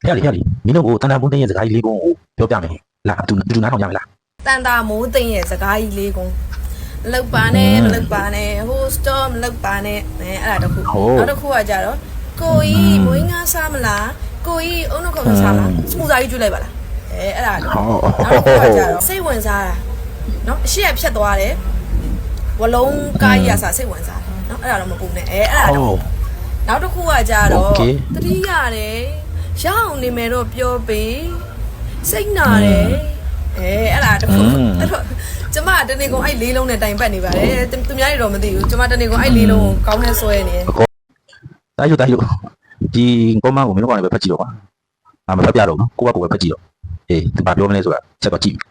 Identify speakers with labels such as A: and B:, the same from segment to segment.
A: ဖះလေမင်းတို့ကိုတန်တာဘုံတင်းရဲ့စကားကြီးလေးကိုပြောပြမယ်လာတူနားထောင်ကြမယ်လား
B: တန်တာမိုးသိမ့်ရဲ့စကားကြီးလေးကုန်းမလောက်ပါနဲ့မလောက်ပါနဲ့ဟိုစတော့မလောက်ပါနဲ့အဲ့ဒါတခုနောက်တစ်ခုကကြတော့ကိုကြီးမွေးငါစားမလားကိုကြီးအုံနှုတ်ခုတ်စားမလားစပူစာကြီးကျွေးလိုက်ပါလားအဲ့ဒါနောက်တစ်ခုကကြတော့စိတ်ဝင်စားတာနော်အရှိရဖြတ်သွားတယ်ဝလုံးကားကြီးကစားစိတ်ဝင်စားတယ်နော်အဲ့ဒါတော့မပူနဲ့အဲ့ဒါတော့နောက်တစ်ခုကကြတော့တတိရတယ်ရအောင်နေမယ်တော့ပြောပေးစိတ်နာတယ်အဲ့ဒါတခုအဲ့တော့ကျမတနေ့ကုန်အဲ့လေးလုံးနဲ့တိုင်ပတ်နေပါတယ်သူများတွေတော့မသိဘူးကျမတနေ့ကုန်အဲ့လေးလုံးကိုကောင်းနဲ့ဆွဲနေတယ်
A: တာယူဒီကောမန်းကိုမင်းတို့ကလည်းပဲဖတ်ကြည့်တော့ပါမဖတ်ပြတော့နော်ကိုကဖတ်ကြည့်တော့အေးသူဘာပြောမလဲဆိုတာချက်တော့ကြည့်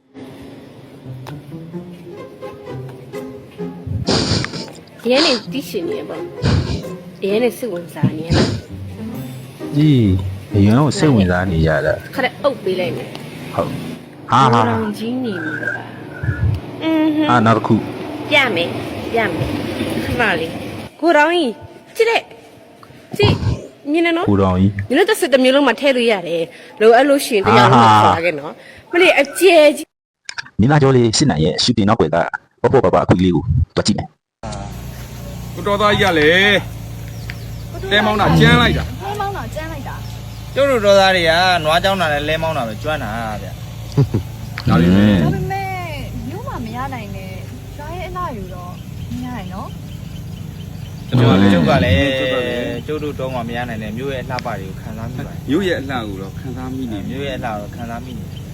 C: ရဲနေတိရှင်နေပေါ့ရဲနေစိတ်ဝင်စားနေရလား
A: ဒီအရင်ကစိတ်ဝင်စားနေရတာ
C: ခရက်အုပ်ပေးလိုက်မယ်
A: ဟုတ်ဟာ
C: ကြီးနေပြီပါ
A: နောက်တစ်ခု
C: ပြမယ်ခမလေးကိုတော်ကြီးကြည့်တဲ့ကြည့်မြင်နေနော်
A: ကိုတော်ကြီး
C: မြင်လို့တစ်စက်တစ်မျိုးလုံးမှာထည့်လို့ရတယ်လိုအဲ့လိုရှင်တရားလုံးမှာခေါ်ခဲ့နော်မလေးအကျဲကြီး
A: မင်းသားကျော်လေးစစ်နိုင်ရဲ့ရှူတင်နောက်ွယ်သားပေါ့ပါအခုလေးကိုတွားကြည့်မယ်
D: ကိုတော်သားကြီးကလေတဲမောင်းတာကျန်းလိုက်တာ
E: ကျုပ်တို့တော်သားတွေကနွားကြောင်းတာနဲ့လဲမောင်းတာပဲကျွမ်းတာဗျ
D: ဒါလေးပဲ
F: ဒါပေမဲ့မျိုးမှမရနိုင်နဲ့ရွာရဲ့အလှယူတော့မရနိုင်နော်
E: ကျုပ်ကလည်းကျုပ်တို့တော့မှမရနိုင်တဲ့မျိုးရဲ့အလှပတွေကိုခံစားမိပါတယ်
D: မျိုးရဲ့အလှကိုတော့ခံစားမိနေ
E: မျိုးရဲ့အလှကိုခံစားမိနေ
D: နော်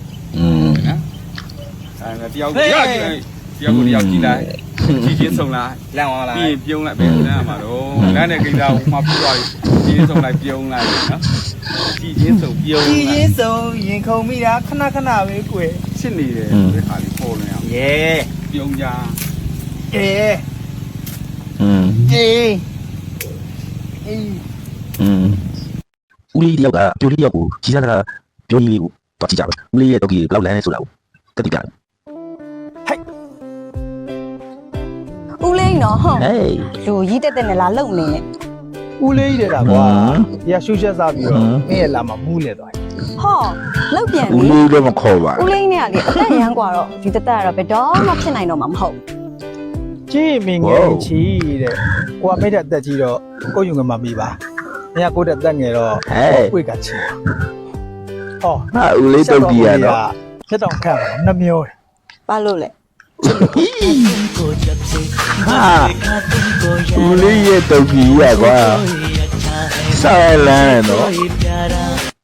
D: အဲတယောက်ကြည့်လိုက်တယောက်ကြည့်လိုက်ကြည်ချင်းဆုံးလိုက်
E: လန့်သွားလား
D: ပြီးပြုံးလိုက်ပဲလန့်မှာတော့လန့်တဲ့ကိစ္စကိုမှပြသွားပြီကြည်ချင်းဆုံးလိုက်ပြုံးလိုက်နော်ကြည်ချင်းဆုံးပြုံး
E: ကြည်ချင်းဆုံးရင်ခုန်မိတာခဏပဲကွယ်
D: ရှင်းနေတယ်ဒီခါလေးပေါ်နေအောင်ပြုံးကြ
A: ဦးလေးတယောက်ကပြိုလေးယောက်ကိုကြီးစားတာပြောကြီးလေးကိုတွားကြည့်ကြပါဦးလေးရဲ့တော့ကြီးဘယ်လောက်လမ်းလဲဆိုတာကိုတက်တည်ပြတယ်
F: ဦးလေးနော်ဟုတ်
A: ဟေး
F: လူကြီးတက်နဲ့လာလုံနေနဲ့
E: ဦးလေးကြီးတဲ့တာကွာဒီကရှူးချက်စားပြီးတော့မင်းရဲ့လာမှာမူးနေသွားတယ်
F: ဟောလောက်ပြန်
A: ဦးလေးတော့မခေါ်ပါ
F: ဦးလေးနဲ့ကလေအသက်ရမ်းกว่าတော့ဒီတက်ကတော့ဘယ်တော့မှဖြစ်နိုင်တော့မှာမဟုတ်
E: ကြည့်မင်းငယ်ချီတဲ့ကိုကမိတဲ့အသက်ကြီးတော့ကိုယူငမှာပြီးပါမင်းကကိုတဲ့အသက်ငယ်တော့ကိုကချီဟော
A: ဟာဦးလေးတော့ကြီးရတော့
E: ချက်တောင်ခန့်ပါနှမျောတယ်
F: ဘာလို့လဲ
A: ဟာဦးလေးရဲ့တော့ကြီးရကွာဆောင်းလန်းတော့